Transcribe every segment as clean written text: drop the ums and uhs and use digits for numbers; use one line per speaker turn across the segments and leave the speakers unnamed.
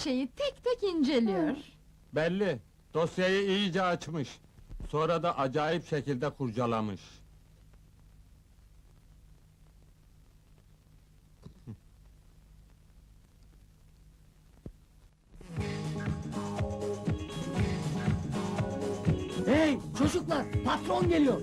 şeyi tek tek inceliyor.
Belli, dosyayı iyice açmış. Sonra da acayip şekilde kurcalamış.
Hey çocuklar, patron geliyor.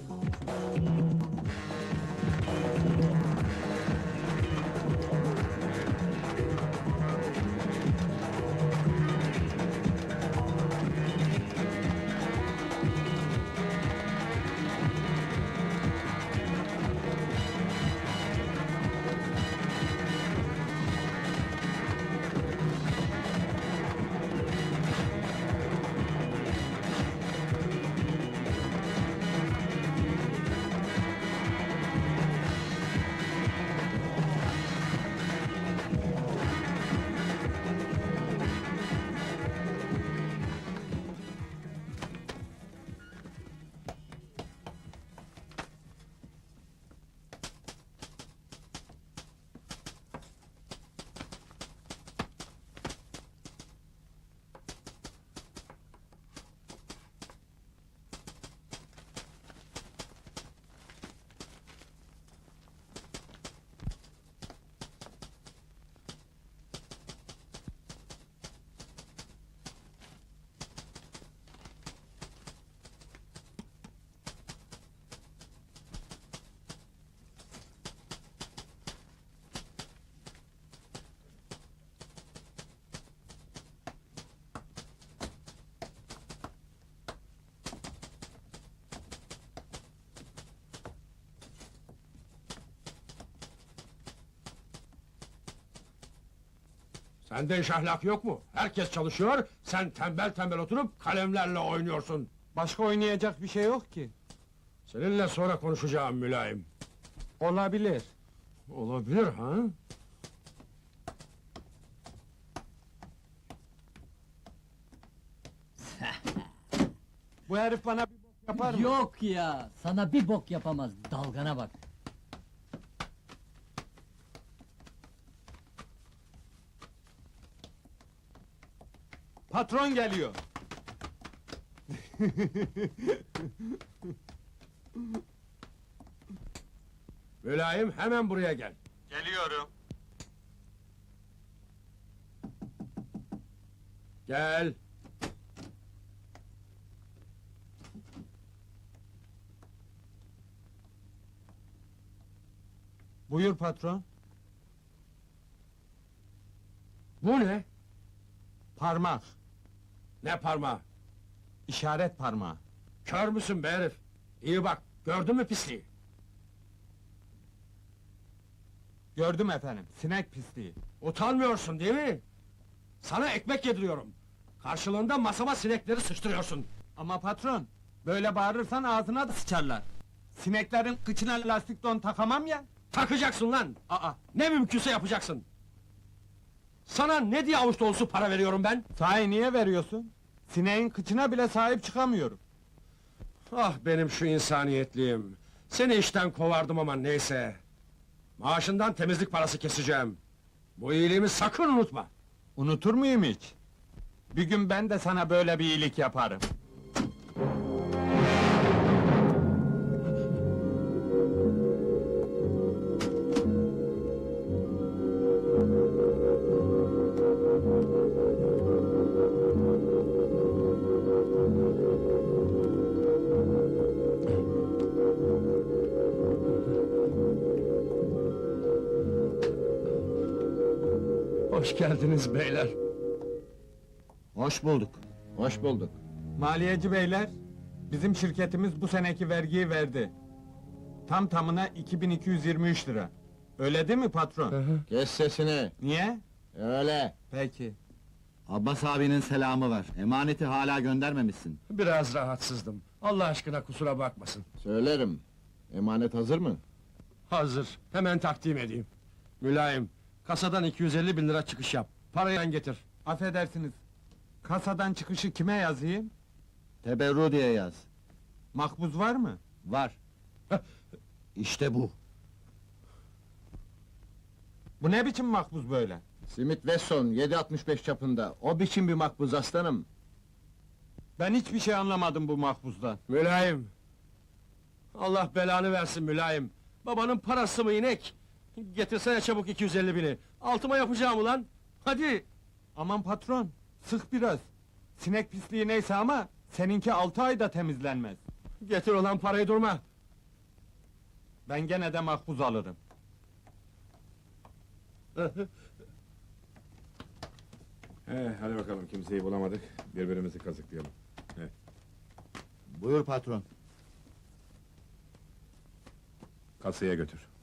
Sende iş ahlak yok mu? Herkes çalışıyor, sen tembel tembel oturup kalemlerle oynuyorsun.
Başka oynayacak bir şey yok ki.
Seninle sonra konuşacağım mülayim.
Olabilir.
Olabilir ha?
Bu herif bana bir bok yapar mı?
Yok ya, sana bir bok yapamaz, dalgana bak.
Patron geliyor.
Mülayim hemen buraya gel.
Geliyorum.
Gel.
Buyur patron.
Bu ne?
Parmak.
Ne parmağı?
İşaret parmağı.
Kör müsün be herif? İyi bak, gördün mü pisliği?
Gördüm efendim, sinek pisliği.
Utanmıyorsun değil mi? Sana ekmek yediriyorum. Karşılığında masama sinekleri sıçtırıyorsun.
Ama patron, böyle bağırırsan ağzına da sıçarlar. Sineklerin kıçına lastik don takamam ya.
Takacaksın lan!
Aa,
Ne mümkünse yapacaksın! Sana ne diye avuç dolusu para veriyorum ben?
sahi niye veriyorsun? Sineğin kıçına bile sahip çıkamıyorum.
Ah benim şu insaniyetliğim! Seni işten kovardım ama neyse! Maaşından temizlik parası keseceğim! Bu iyiliğimi sakın unutma!
Unutur muyum hiç? Bir gün ben de sana böyle bir iyilik yaparım.
Hoş geldiniz beyler!
Hoş bulduk. Hoş bulduk.
Maliyeci beyler, bizim şirketimiz bu seneki vergiyi verdi. Tam tamına 2223 lira. Öyle değil mi patron?
Kes sesini.
Niye?
Öyle.
Peki.
Abbas abinin selamı var. Emaneti hala göndermemişsin.
Biraz rahatsızdım. Allah aşkına kusura bakmasın.
Söylerim. Emanet hazır mı?
Hazır, hemen takdim edeyim. Mülayim, kasadan 250 bin lira çıkış yap. Parayı ben getir.
Affedersiniz. Kasadan çıkışı kime yazayım?
Teberru diye yaz.
Makbuz var mı?
Var. İşte bu.
Bu ne biçim makbuz böyle?
Smith Wesson 7.65 çapında. O biçim bir makbuz aslanım.
Ben hiçbir şey anlamadım bu mahpustan.
Mülayim! Allah belanı versin mülayim! Babanın parası mı inek? Getirsene çabuk 250 bini! Altıma yapacağım ulan! Hadi!
Aman patron, sık biraz. Sinek pisliği neyse ama seninki 6 ayda temizlenmez.
Getir olan parayı durma!
Ben gene de mahpus alırım.
Hadi bakalım, kimseyi bulamadık, birbirimizi kazıklayalım.
Buyur patron.
Kasaya götür.